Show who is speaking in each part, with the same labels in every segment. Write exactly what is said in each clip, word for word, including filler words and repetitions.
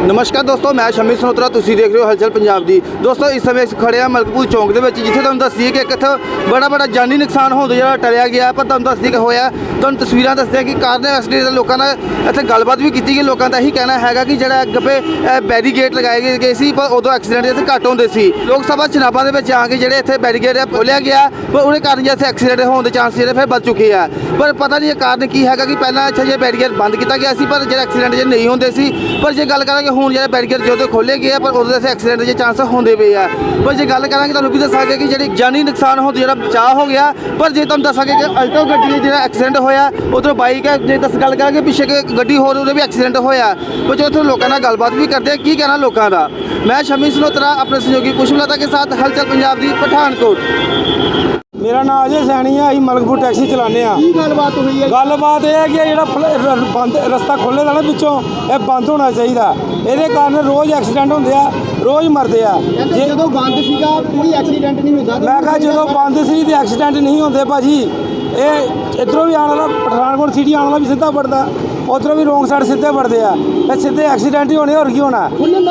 Speaker 1: नमस्कार दोस्तों, मैं शमी सनोत्रा, तुसीं देख रहे हो हलचल पंजाब दी। दोस्तों इस समय असीं खड़े आ मलकपुर चौंक दे विच, जिथे तुहानूं दस्सीए कि एक इत्थे बड़ा बड़ा जानी नुकसान होण दा जिहड़ा टलिया गया। पर तुहानूं दस्सदे कि होया, तुहानूं तस्वीरां दस्सदे कि कार एक्सीडेंट दे लोकां दा इत्थे गलबात भी कीती गई। लोकां दा यही कहना हैगा कि जिहड़ा अग्गे बैरीगेट लगाए गए सी, पर उदों एक्सीडेंट इत्थे घੱਟ ਹੁੰਦੇ ਸੀ। लोक सभा चुनावां दे विच आ के जिहड़े इत्थे बैरीगेट खोलिया गया, पर ਉਹਦੇ ਕਾਰਨ जे इत्थे एक्सीडेंट होण ਦੇ चांस ਜਿਹੜੇ ਫਿਰ ਵੱਧ ਚੁੱਕੇ ਆ। पर पता नहीं कारण की हैगा कि ਪਹਿਲਾਂ ਇੱਥੇ ਜੇ बैरीगेट बंद किया गया सी, पर ਜਿਹੜੇ एक्सीडेंट जे नहीं ਹੁੰਦੇ ਸੀ। पर जे गल करांगे ਹੁਣ ਜਿਹੜੇ बैरीगेट जो खोले गए, पर उदों इत्थे एक्सीडेंट के चांस होंदे पे आ। पर जे गल करांगे तुहानूं भी दस्सांगे कि जिहड़ी जानी नुकसान होण जिहड़ा बचाव हो गया। पर जे तुहानूं दस्सांगे कि अल्टो गड्डी जिहड़ा एक्सीडेंट होया, उधरों बाइक है जे दस गल करांगे पिछे गड्डी होर उहदा भी एक्सीडेंट होया। कुछ उत्थे लोकां नाल गलबात भी करदे की कहना लोकां दा। मैं शमी सनोत्रा अपने सहयोगी पुष्पलता के साथ हलचल पंजाब दी पठानकोट।
Speaker 2: मेरा नाम अजय सैनी है। अं मलकपुर टैक्सी चलाने
Speaker 1: गलबात हुई है
Speaker 2: गलबात यह है कि जो बंद रस्ता खोले दा ना पिछों, ये बंद होना चाहिए। ये कारण रोज़ एक्सीडेंट होंगे आ, रोज़ मरते हैं।
Speaker 1: जो बंद सीगा कोई एक्सीडेंट नहीं होता।
Speaker 2: मैं कहा जो बंद सी तो एक्सीडेंट नहीं होंगे भाजी। ये इधरों भी आने वाला पठानकोट सिटी आने वाला भी सीधा पड़ता, उधरों भी रोंग साइड सीधे पड़ते हैं। सीधे एक्सीडेंट ही होने, और की होना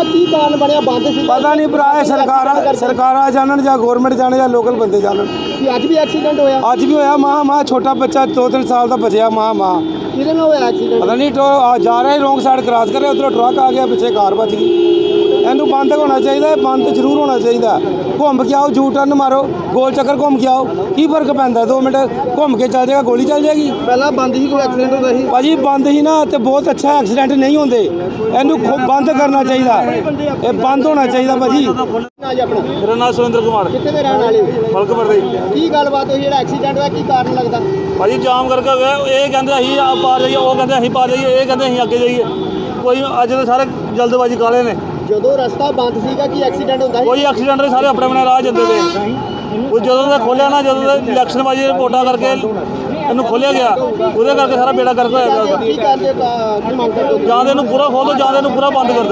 Speaker 2: पता नहीं भरा। सरकार सरकार जानन या गौरमेंट जाने या लोकल बंदे जानन।
Speaker 1: अज भी एक्सीडेंट होया
Speaker 2: अज भी होया मां मां छोटा बच्चा दो तीन साल का बचया मां मां पता नहीं तो जा रहा है रोंग साइड क्रॉस कर रहे, उधरों ट्रक आ गया, पिछे कार बच गई। इनू बंद होना चाहिए, बंद जरूर होना चाहिए। घूम के आओ, जू टर्न मारो, गोल चक्कर घूम के आओ, की फर्क पैंदा? दो मिनट घूम के चल जाएगा, गोली चल जाएगी।
Speaker 1: पहला बंद ही कोई एक्सीडेंट होता ही
Speaker 2: भाजी, बंद ही ना तो बहुत अच्छा एक्सीडेंट नहीं होंगे। इनू बंद करना चाहिए, ये बंद होना चाहिए भाजी।
Speaker 3: मेरा नाम सुरेंद्र कुमार मलकपुर
Speaker 1: की गलबात हुई जेड़ा एक्सीडेंट होया, की कारण लगदा?
Speaker 3: भाजी जाम करके हो गया। ये कहते असीं पार जाइए, वो कहते असीं पार जाइए, ये कहते असीं अगे जाइए। कोई अज तो सारे जल्दबाजी काले ने।
Speaker 1: ਜਦੋਂ ਰਸਤਾ ਬੰਦ ਸੀਗਾ ਕੀ ਐਕਸੀਡੈਂਟ ਹੁੰਦਾ ਸੀ?
Speaker 3: ਕੋਈ ਐਕਸੀਡੈਂਟ ਨਹੀਂ, ਸਾਰੇ ਆਪਣੇ ਆਪਣੇ ਰਾਹ ਜਾਂਦੇ ਪਏ। ਉਹ ਜਦੋਂ ਦਾ ਖੋਲਿਆ ਨਾ, ਜਦੋਂ ਦਾ ਇਲੈਕਸ਼ਨ ਬਾਜੀ ਰਿਪੋਰਟਾਂ ਕਰਕੇ ਇਹਨੂੰ ਖੋਲਿਆ ਗਿਆ, ਉਹਦੇ ਕਰਕੇ ਸਾਰਾ ਬੇੜਾ ਗਰਕ ਹੋਇਆ ਪਿਆ।
Speaker 1: ਕੀ ਕਰਦੇ ਕੀ ਮੰਗ ਕਰਦੇ?
Speaker 3: ਜਾਂ ਤਾਂ ਇਹਨੂੰ ਪੂਰਾ ਖੋਲ ਦਿਓ, ਜਾਂ ਤਾਂ ਇਹਨੂੰ ਪੂਰਾ ਬੰਦ ਕਰ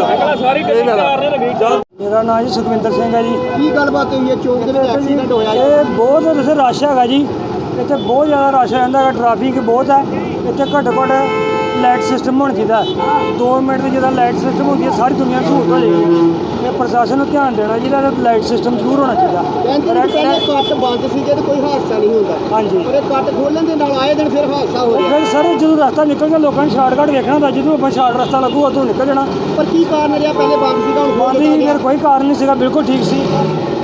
Speaker 3: ਦਿਓ।
Speaker 2: मेरा नाम जी सुखविंदर सिंह है जी।
Speaker 1: ਕੀ ਗੱਲਬਾਤ ਹੋਈ ਹੈ ਚੌਂਕ ਦੇ ਵਿੱਚ ਐਕਸੀਡੈਂਟ ਹੋਇਆ?
Speaker 2: ये बहुत वैसे रश है जी, इतने बहुत ज़्यादा रश रहता है, ट्रैफिक बहुत है। इतने घट्टो घट्ट लाइट सिस्टम होना चाहिए। दो मिनट की जो लाइट सिस्टम होती है, सारी दुनिया सहूलत हो जाएगी। ये प्रशासन को ध्यान देना चाहिए, लाइट सिस्टम जरूर होना चाहिए।
Speaker 1: ਕੱਟ ਬੰਦ ਸੀਗੇ ਤੇ ਕੋਈ ਹਾਦਸਾ ਨਹੀਂ ਹੁੰਦਾ।
Speaker 2: हाँ जी,
Speaker 1: ਪਰ ਇਹ ਕੱਟ ਖੋਲਣ ਦੇ ਨਾਲ ਆਏ ਦਿਨ ਫਿਰ ਹਾਦਸਾ ਹੋ ਰਿਹਾ।
Speaker 2: फिर सर जो रास्ता निकल गया, लोगों ने शार्टकट देखना था, जो अपन शार्ट रास्ता लगूगा तो निकल जाना।
Speaker 1: ਪਰ ਕੀ ਕਾਰਨ ਰਿਹਾ? ਪਹਿਲੇ ਬੰਦ ਸੀਗਾ, ਹੁਣ
Speaker 2: बंद ही फिर कोई कारण नहीं सीगा, बिल्कुल ठीक सी।